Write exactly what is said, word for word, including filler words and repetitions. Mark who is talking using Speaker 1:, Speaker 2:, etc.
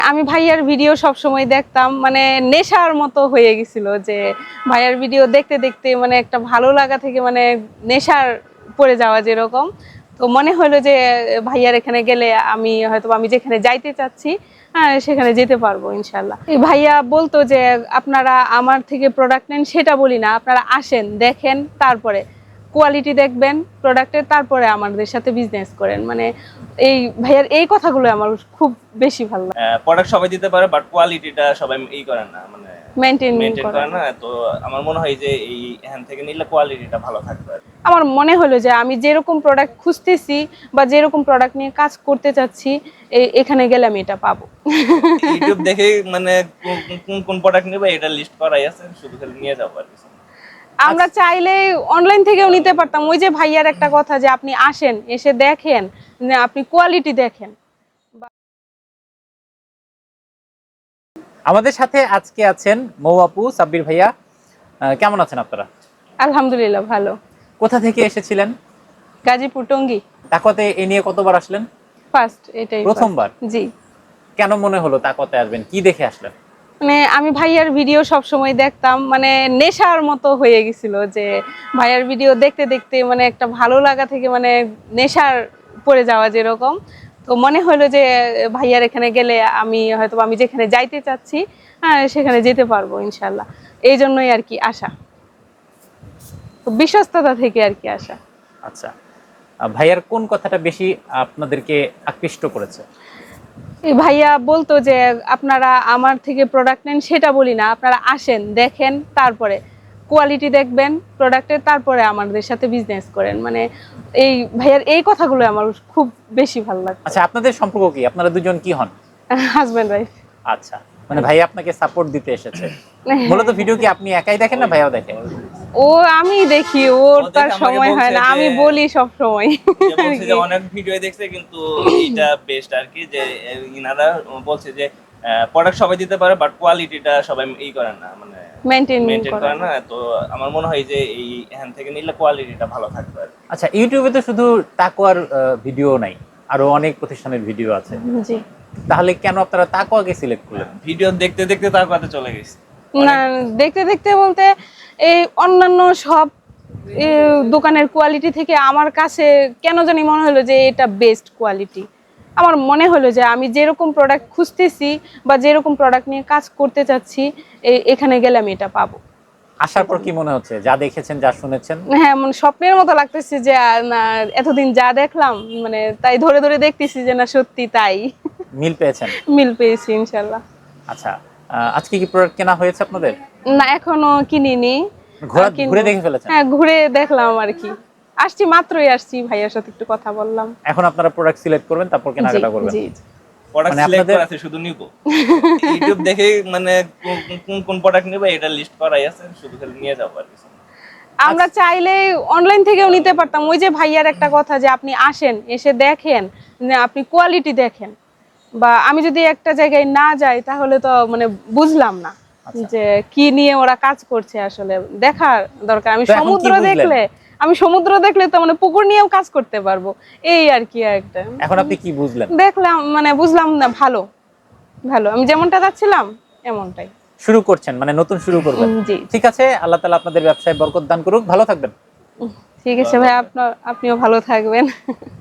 Speaker 1: আমি ভাইয়ার ভিডিও সব সময় দেখতাম, মানে নেশার মতো হয়ে গেছিল যে ভাইয়ার ভিডিও দেখতে দেখতে মানে একটা ভালো লাগা থেকে মানে নেশার পড়ে যাওয়া যেরকম। তো মনে হলো যে ভাইয়ার এখানে গেলে আমি হয়তো আমি যেখানে যাইতে চাচ্ছি হ্যাঁ সেখানে যেতে পারবো ইনশাল্লাহ। ভাইয়া বলতো যে আপনারা আমার থেকে প্রোডাক্ট নেন, সেটা বলি না, আপনারা আসেন দেখেন, তারপরে কোয়ালিটি দেখবেন প্রোডাক্টের, তারপরে আমাদের সাথে বিজনেস করেন। মানে এই ভাইয়ার এই কথাগুলো আমার খুব বেশি ভালো লাগে।
Speaker 2: প্রোডাক্ট সবাই দিতে পারে বাট কোয়ালিটিটা সবাই ই করে না, মানে
Speaker 1: মেইনটেইন
Speaker 2: মেইনটেইন
Speaker 1: করে
Speaker 2: করে না। তো আমার মনে হয় যে এই এখান থেকে নিলে কোয়ালিটিটা ভালো থাকবে।
Speaker 1: আমার মনে হলো যে আমি যেরকম প্রোডাক্ট খুঁজতেছি বা যেরকম প্রোডাক্ট নিয়ে কাজ করতে চাচ্ছি এখানে গেলে আমি এটা পাবো।
Speaker 2: ইউটিউব দেখে মানে কোন কোন প্রোডাক্ট নেবে এটা লিস্ট করাই আছে, শুধু খালি নিয়ে যাবো আর কিছু।
Speaker 1: আমরা চাইলে অনলাইন থেকেও নিতে পারতাম। ওই যে ভাইয়ার একটা কথা যে আপনি আসেন, এসে দেখেন, আপনি কোয়ালিটি দেখেন।
Speaker 3: আমাদের সাথে আজকে আছেন মৌ আপু, সাব্বির ভাইয়া। কেমন আছেন আপনারা?
Speaker 1: আলহামদুলিল্লাহ ভালো।
Speaker 3: কোথা থেকে এসেছিলেন?
Speaker 1: গাজীপুর টঙ্গী।
Speaker 3: তাকওয়াতে এ নিয়ে কতবার আসলেন?
Speaker 1: ফার্স্ট, এটাই
Speaker 3: প্রথমবার।
Speaker 1: জি।
Speaker 3: কেন মনে হলো তাকওয়াতে আসবেন, কি দেখে আসলেন?
Speaker 1: মানে আমি ভাইয়ার ভিডিও সব সময় দেখতাম, মানে নেশার মতো হয়ে গেছিল যে ভাইয়ার ভিডিও দেখতে দেখতে মানে একটা ভালো লাগা থেকে মানে নেশার পড়ে যাওয়া যেরকম। তো মনে হলো যে ভাইয়ার এখানে গেলে আমি হয়তো আমি যেখানে যাইতে চাচ্ছি হ্যাঁ সেখানে যেতে পারবো ইনশাল্লাহ। এই জন্যই আর কি আসা, বিশ্বস্ততা থেকে আর কি আসা।
Speaker 3: আচ্ছা, ভাইয়ার কোন কথাটা বেশি আপনাদেরকে আকৃষ্ট করেছে?
Speaker 1: ভাইয়া বলতো যে আপনারা আমার থেকে প্রোডাক্ট নেন, সেটা বলি না, আপনারা আসেন দেখেন, তারপরে কোয়ালিটি দেখবেন প্রোডাক্টের, তারপরে আমাদের সাথে বিজনেস করেন। মানে এই ভাইয়ার এই কথাগুলো আমার খুব বেশি ভালো লাগে।
Speaker 3: আচ্ছা, আপনাদের সম্পর্ক কি? আপনারা দুজন কি হন?
Speaker 1: Husband wife.
Speaker 3: আচ্ছা, মানে ভাইয়া আপনাকে সাপোর্ট দিতে এসেছে। মূলত ভিডিও কি আপনি একাই দেখেন না ভাইয়াও দেখেন?
Speaker 1: ও আমি দেখি, ওর তার সময় হয় না, আমি বলি সব সময়।
Speaker 2: বলছে যে অনেক ভিডিও দেখছে কিন্তু এটা বেস্ট আর কি, যে ইনারা বলছে যে প্রোডাক্ট সবাই দিতে পারে বাট কোয়ালিটিটা সবাই ই করে না, মানে
Speaker 1: মেইনটেইন
Speaker 2: মেইনটেইন করে না। তো আমার মনে হয় যে এই এখান থেকে নিলে কোয়ালিটিটা ভালো থাকবে।
Speaker 3: আচ্ছা, ইউটিউবে তো শুধু তাকওয়ার ভিডিও নাই, আরো অনেক প্রতিষ্ঠানের ভিডিও আছে।
Speaker 1: জি।
Speaker 3: তাহলে কেন আপনারা তাকওয়াকে সিলেক্ট করলেন?
Speaker 2: ভিডিও দেখতে দেখতে তাকওয়াতে চলে গেছে।
Speaker 1: না দেখতে দেখতে বলতে এই অন্যান্য সব দোকানের কোয়ালিটি থেকে আমার কাছে কেন জানি মনে হলো যে এটা বেস্ট কোয়ালিটি। আমার মনে হলো যে আমি যেরকম প্রোডাক্ট খুঁজতেছি বা যেরকম প্রোডাক্ট নিয়ে কাজ করতে চাচ্ছি এখানে গেলে আমি এটা পাবো।
Speaker 3: আসার পর কি মনে হচ্ছে, যা দেখেছেন যা শুনেছেন?
Speaker 1: হ্যাঁ, মানে স্বপ্নের মতো লাগতেছে যে না এতদিন যা দেখলাম মানে তাই ধরে ধরে দেখতেছি যে না সত্যি তাই।
Speaker 3: মিল পেয়েছেন?
Speaker 1: মিল পেয়েছি ইনশাল্লাহ।
Speaker 3: আচ্ছা, আজকে কি প্রোডাক্ট কেনা হয়েছে আপনাদের?
Speaker 1: না এখনো কিনিনি।
Speaker 3: ঘুরে দেখে ফেলেছেন?
Speaker 1: হ্যাঁ ঘুরে দেখলাম আর কি, আসছি মাত্রই আসছি, ভাইয়ার সাথে একটু কথা বললাম।
Speaker 3: এখন আপনারা প্রোডাক্ট সিলেক্ট করবেন, তারপর কেনাকাটা করবেন?
Speaker 1: জি।
Speaker 2: প্রোডাক্ট সিলেক্ট করা আছে, শুধু নিব। ইউটিউব দেখে মানে কোন কোন প্রোডাক্ট নেবে এটা লিস্ট করাই আছে, শুধু খালি নিয়ে যাবো আর কিছু।
Speaker 1: আমরা চাইলে অনলাইন থেকেও নিতে পারতাম। ওই যে ভাইয়ার একটা কথা যে আপনি আসেন, এসে দেখেন, আপনি কোয়ালিটি দেখেন। বা আমি যদি একটা জায়গায় না যাই তাহলে তো মানে বুঝলাম না যে কি নিয়ে ওরা কাজ করছে, আসলে দেখার দরকার। আমি সমুদ্র দেখলে আমি সমুদ্র দেখলে তো মানে পুকুর নিয়েও কাজ করতে পারবো, এই আর কি একটা।
Speaker 3: এখন আপনি কি বুঝলেন?
Speaker 1: দেখলাম মানে বুঝলাম না, ভালো ভালো আমি যেমনটা চাচ্ছিলাম এমনটাই
Speaker 3: শুরু করছেন, মানে নতুন শুরু করবেন।
Speaker 1: জি
Speaker 3: ঠিক আছে, আল্লাহ তাআলা আপনাদের ব্যবসায় বরকত দান করুক, ভালো থাকবেন।
Speaker 1: ঠিক আছে ভাই, আপনার আপনিও ভালো থাকবেন।